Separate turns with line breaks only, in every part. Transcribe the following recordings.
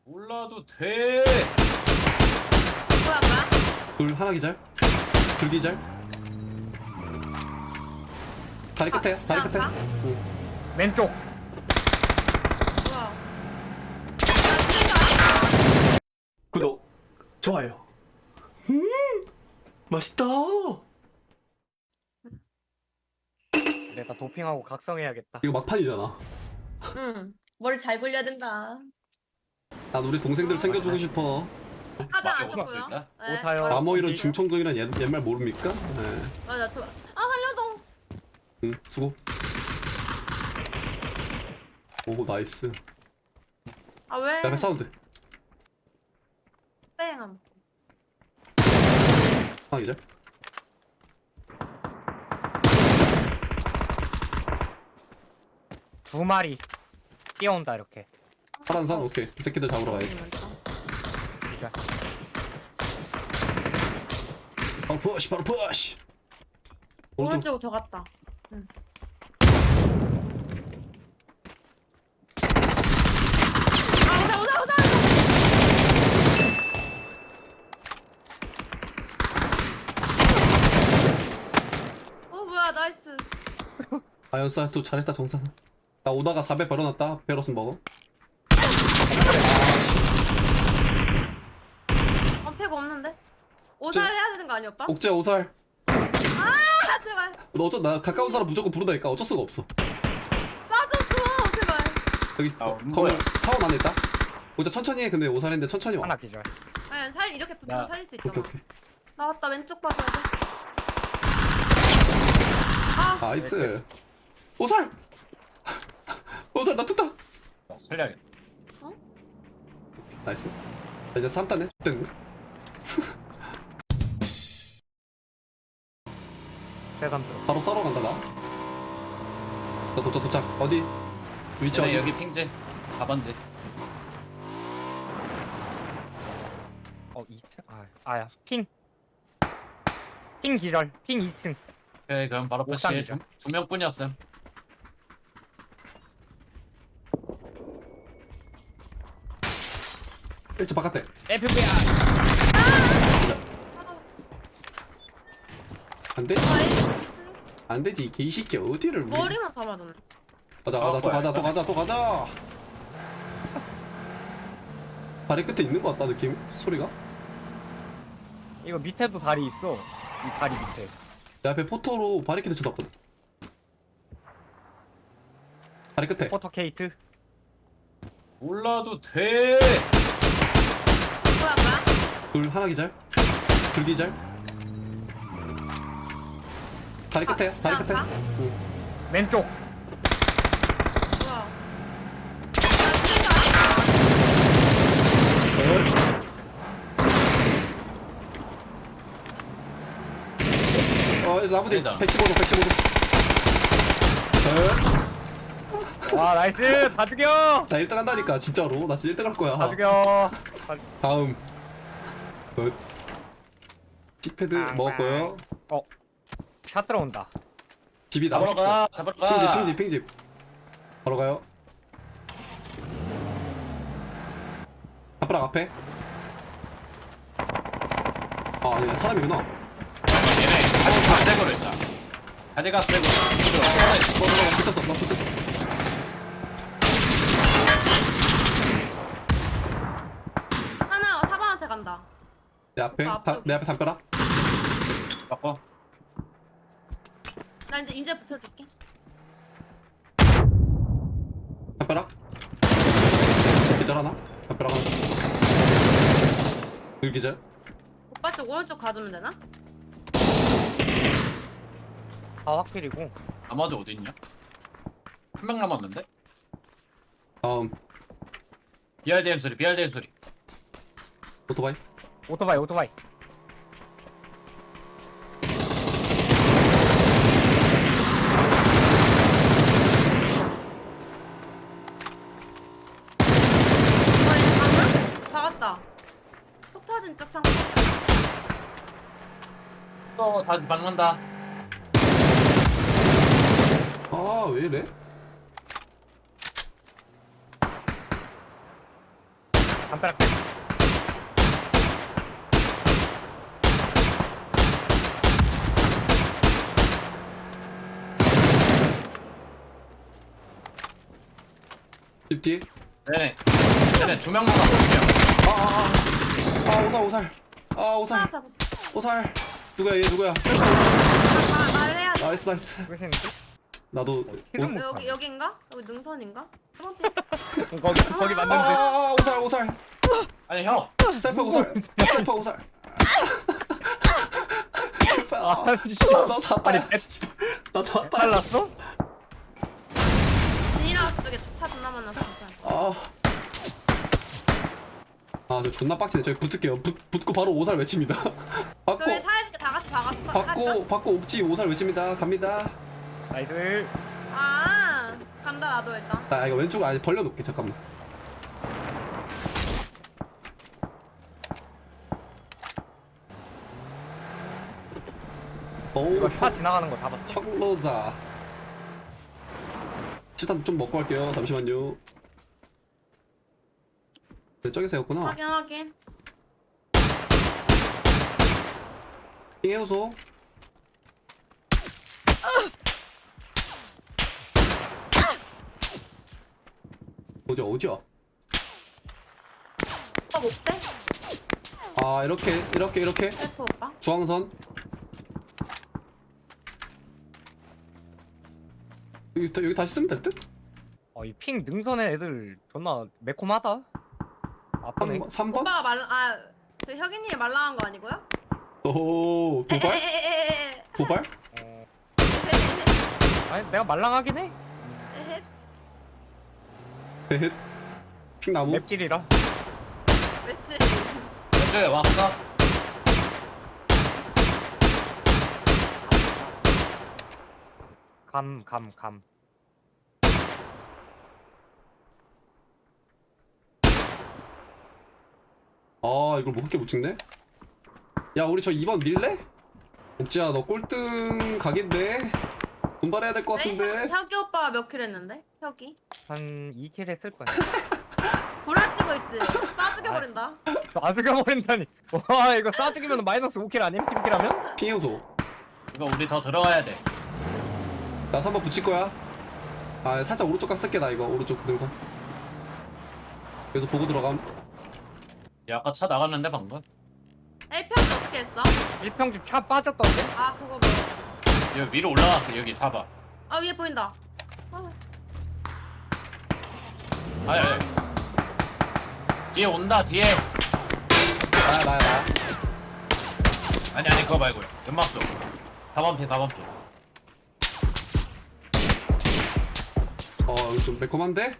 몰라도 돼.
뭐야 뭐야?
둘 하나 기절. 둘 기절. 다리 끝에 다리 끝에.
아까?
응.
왼쪽.
뭐야?
구독, 좋아요. 맛있다.
내가 도핑하고 각성해야겠다.
이거 막판이잖아.
응. 머리 잘 굴려야 된다.
난 우리 동생들 챙겨주고 싶어.
화장 안
맞아,
쳤고요.
맞아.
네.
오타요.
바로-
마모 이런
뭐지?
중천동이란 옛말 모릅니까? 네.
맞아 저. 아 살려줘.
응, 수고. 오, 나이스.
아 왜?
내 앞에 사운드.
뺑함.
하나 기절.
두 마리 뛰어온다 이렇게.
파란 산, 오케이. 이 새끼들 잡으러 가야지.
진짜.
바로 푸시, 바로 푸시. 오른쪽.
오른쪽으로 더 갔다. 응. 아 오자. 어 뭐야 나이스.
아연싸, 또 잘했다, 정상. 나 오다가 4배 벌어놨다. 베러스 먹어.
언패가 없는데? 오살 해야 되는 거 아니야 오빠?
옥재 오살.
아 제발.
너 나 가까운 사람 무조건 부르다니까. 어쩔 수가 없어.
빠져줘 제발.
여기
아,
건물
뭐야?
사원 안에 있다. 오자 천천히 해. 근데 오살인데 천천히 와.
하나 기절.
아니 살 이렇게 붙으면
나-
살릴 수
오케이
있잖아.
오케이.
나왔다 왼쪽 봐줘야 돼. 아
나이스. 오살. 오살 나 뜯다.
살려야겠다.
나이스. 자, 이제 3단에 됐네.
새삼스러워.
바로 싸러 간다 나. 나 도착. 어디? 위치 어디?
네, 여기 핑제 4번지.
어 2층? 아야 핑. 핑 기절. 핑 2층.
오케이, 그럼 바로 푸시.
옥상이죠.
두 명뿐이었음.
일찍 바깥에.
FBI.
안 돼?
아이
안 되지. 개이새끼 어디를 우리.
머리만 다 맞았네.
가자. 다리 끝에 있는 것 같다 느낌. 소리가.
이거 밑에도 다리 있어. 이 다리 밑에.
내 앞에 포토로 바리케드 쳐놨거든. 다리 끝에.
포터 케이트.
몰라도 돼.
뭐야
둘 하나 기절. 둘 기절. 다리 끝에. 다리 끝에.
아까?
응.
왼쪽.
뭐야?
나무디
대장.
115도.
와 나이스. 다 죽여.
나 1등 한다니까 진짜로. 나 진짜 1등 할 거야.
다 죽여.
다음. 킥패드 먹었고요.
샷 들어온다.
집이 나.
잡으러 가. 잡으러 가.
핑집. 바로 가요. 아빠랑 앞에. 아 아니야 사람이구나.
얘네 가지가 새거로 했다. 가지가 새거.
나 붙었어.
하나 사방한테 간다.
내 앞에
앞쪽에.
내 앞에 담벼락.
바꿔.
나 이제 붙여줄게.
담벼락. 기절 하나. 담벼락 하나. 둘 기절.
오빠 쪽 오른쪽 가주면 되나?
다 확실이고.
나머지 어디 있냐? 한 명 남았는데?
다음
BRDM 소리.
오토바이.
오토바이.
박았다. 폭 터진 쪽 창고.
또 다시 박는다.
아 왜 이래?
담벼락
집 뒤에.
쟤네 두 명만 가볼게요.
오살. 오살.
하나 잡았어.
오살. 누구야 얘 누구야?
말을 해야 돼.
나이스.
끝이는데?
나도
힐은 못
여기인가? 여기 능선인가? 한번
거기 맞는데.
오살.
아니 형.
셀프 오살. 셀프 오살.
아니
나 샀다.
아니,
나 샀다.
빨랐어?
비닐하우스 쪽에 차 존나 만나서 괜찮아.
저 존나 빡치네. 저기 붙을게요. 붙고 바로 오살 외칩니다. 받고
그래 사이즈가 다 같이 박았어.
받고 옥지 오살 외칩니다. 갑니다.
나이스.
아 간다 나도 일단.
나 이거 왼쪽 아예 벌려놓을게. 잠깐만. 오,
이거 차 지나가는 거 잡았어.
혁로자. 일단 좀 먹고 할게요. 잠시만요. 네, 저기서였구나.
확인.
해우소. 어디야?
오빠 못 빼?
이렇게
F 오빠.
중앙선. 여기 다시 쓰면 될 듯?
이 핑 능선에 애들 존나 매콤하다. 아빠네.
3번?
오빠가 저 혁이님이 말랑한 거 아니고요?
오, 도발?
에헤헤헤헤.
도발?
아니 내가 말랑하긴 해.
에헤.
헤헷. 핑나무?
맵질이라.
맵찔.
왼쪽에 왔어.
감.
이걸 뭐 그렇게 못 찍네? 야, 우리 저 2번 밀래? 옥지야, 너 꼴등 각인데? 분발해야 될 것 같은데?
혁이 오빠가 몇 킬 했는데? 혁이?
한 2킬 했을 거야.
구라치고 있지? 싸 죽여버린다.
아 죽여버린다니. 와 이거 싸 죽이면 마이너스 5킬 아님? 팀킬하면?
핑 해우소.
이거 우리 더 들어가야 돼.
나 3번 붙일 거야. 살짝 오른쪽 각 쓸게, 나 이거. 오른쪽 능선. 그래서 보고 들어감.
야, 아까 차 나갔는데 방금.
A평이 어떻게 했어?
1평집 차 빠졌던데?
아 그거 뭐.
여기 위로 올라갔어. 여기 4번.
아 위에 보인다.
아니. 뒤에 온다. 뒤에.
나야.
아니 그거 말고요. 연막도. 4번 피.
여기 좀 매콤한데?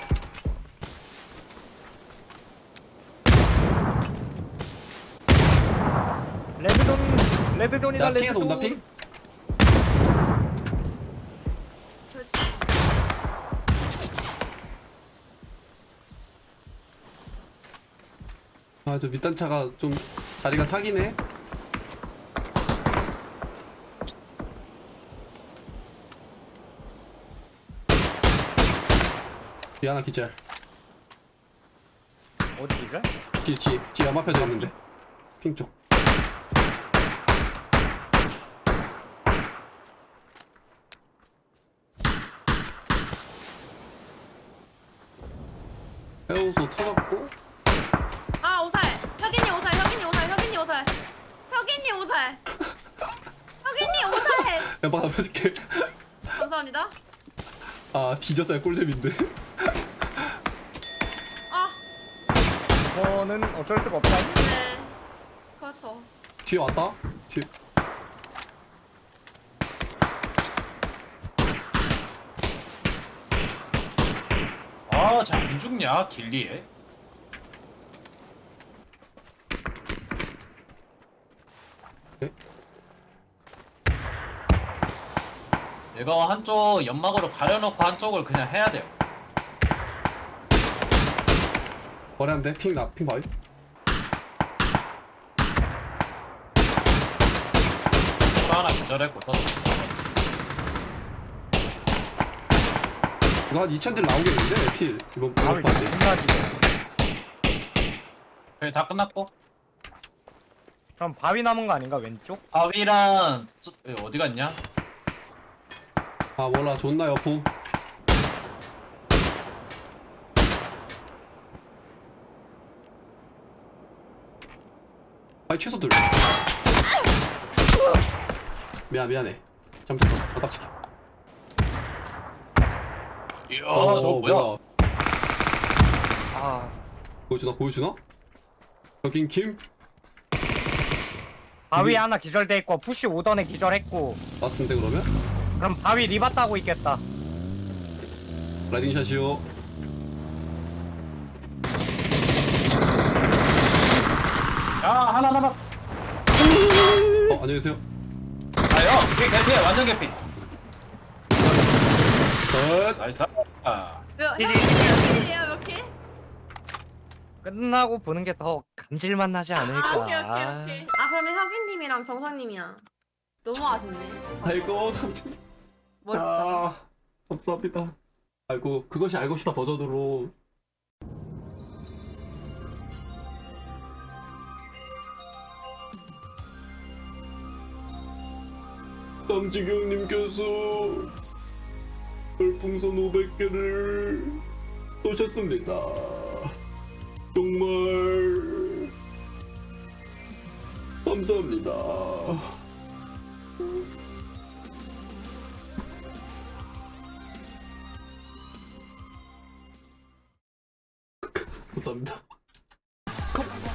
레드존이다
야, 핑에서 온다,
레드존.
핑?
절대.
저 밑단 차가 좀 자리가 사기네. 뒤 하나 기절.
어디가?
뒤 연마패도 있는데. 핑 쪽. 해우소 터졌고.
아 오살. 혁이님 오살.
연막 하나 펴줄게.
감사합니다.
뒤졌어야 꿀잼인데.
아
저는 어쩔 수가 없다.
네. 그렇죠.
뒤에 왔다. 뒤에.
잘 안 죽냐 길리에.
네?
이거 한쪽 연막으로 가려놓고 한쪽을 그냥 해야 돼요.
머리 한 대. 핑 봐요.
차 하나 기절했고 또.
이거 한 2000딜 나오겠는데? 필. 이번
아우
번판데.
존나
그래 다 끝났고.
그럼 바위 남은 거 아닌가 왼쪽?
바위랑 어디 갔냐?
아 몰라 존나 여포. 아니 최소 둘. 미안해. 잘못했어. 아깝지.
이야 저거 뭐야?
아
보여주나? 여긴 김?
바위
이게-
하나 기절돼 있고 푸시 오던에 기절했고.
맞는데 그러면?
그럼 바위 리바 따고 있겠다.
라이딩 샷이요.
야 하나 남았어.
안녕히 계세요.
아요 개피 완전 개피.
컷.
나이스. 아.
몇 킬이에요? 몇 킬?
끝나고 보는 게 더 감질맛 나지 않을까.
오케이. 아 그러면 혁이님이랑 정상님이야. 너무 아쉽네.
아이고 감사합니다.
멋있다.
감사합니다. 아이고 그것이 알고 싶다 버전으로. 남지경님께서 별풍선 500개를 쏘셨습니다. 정말 감사합니다. 감사합니다.